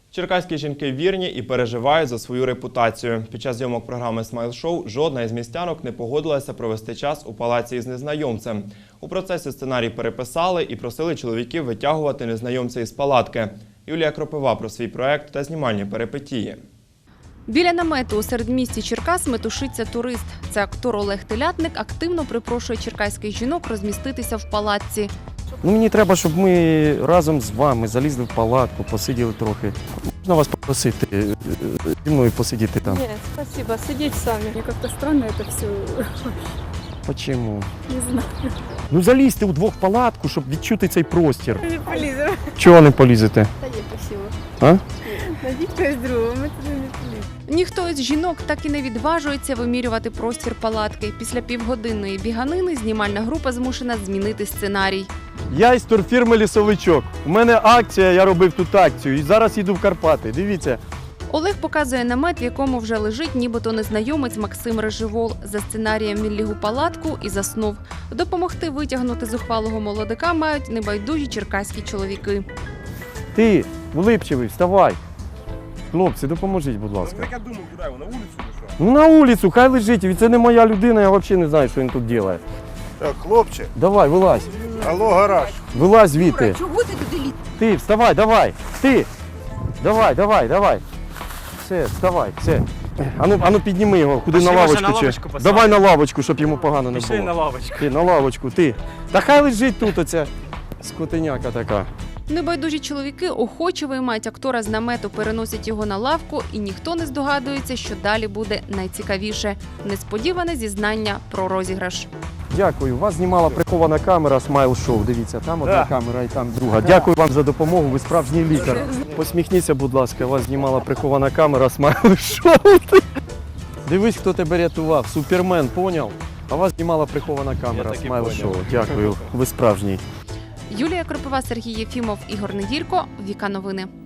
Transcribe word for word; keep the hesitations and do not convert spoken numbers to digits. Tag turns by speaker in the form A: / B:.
A: Черкаські жінки вірні і переживають за свою репутацію. Під час зйомок програми «Смайл-шоу» жодна із містянок не погодилася провести час у палаці із незнайомцем. У процесі сценарій переписали і просили чоловіків витягувати незнайомця із палатки. Юлія Кропива про свій проект та знімальні перипетії.
B: Біля намету у середмісті Черкас метушиться турист. Це актор Олег Телятник активно припрошує черкаських жінок розміститися в палатці.
C: Ну, мені треба, щоб ми разом з вами залізли в палатку, посиділи трохи. Можна вас попросити зі мною посидіти там?
D: Нет, спасибо. Сидеть сами. Мне как-то странно это все.
C: Почему?
D: Не знаю.
C: Ну залізьте удвох в палатку, щоб відчути цей простір.
D: Не полезем.
C: Чого не полізете?
D: Да нет, спасибо.
C: А?
D: Найдите когось другого, ми туди не поліземо.
B: Ніхто із жінок так і не відважується вимірювати простір палатки. Після півгодинної біганини знімальна група змушена змінити сценарій.
C: Я із турфірми «Лісовичок». У мене акція, я робив тут акцію і зараз їду в Карпати. Дивіться.
B: Олег показує намет, в якому вже лежить нібито незнайомець Максим Реживол. За сценарієм він ліг у палатку і заснув. Допомогти витягнути зухвалого молодика мають небайдужі черкаські чоловіки.
C: Ти, улипчивий, вставай. Хлопці, допоможіть, будь ласка.
E: Так я думав, куди його, на вулицю чи що?
C: Ну на вулицю, хай лежить. Це не моя людина, я взагалі не знаю, що він тут робить.
E: Так, хлопче,
C: Давай, вилазь.
E: алло, гараж.
C: Вилазь звідти.
D: Чого ти туди лізеш?
C: Ти, вставай, давай. Ти. Давай, давай, давай. Все, вставай, все. Ану, ану підніми його, куди
F: Пошли,
C: на
F: може,
C: лавочку.
F: на
C: чи-
F: лавочку посадимо.
C: Давай на лавочку, щоб йому погано не
F: Пішли
C: було.
F: на лавочку.
C: Ти, на лавочку, ти. Та хай лежить тут оця скотиняка така.
B: Небайдужі чоловіки охоче виймають актора з намету, переносять його на лавку, і ніхто не здогадується, що далі буде найцікавіше – несподіване зізнання про розіграш.
C: Дякую. Вас знімала прихована камера «Смайл-шоу». Дивіться, там одна
F: Да.
C: камера і там друга. Дякую вам за допомогу, ви справжній лікар. Посміхніться, будь ласка, вас знімала прихована камера «Смайл-шоу». Дивись, хто тебе рятував. Супермен, поняв? А вас знімала прихована камера
F: так і
C: «Смайл-шоу». Дякую, ви справжній.
B: Юлія Кропива, Сергій Єфімов, Ігор Неділько. Віка Новини.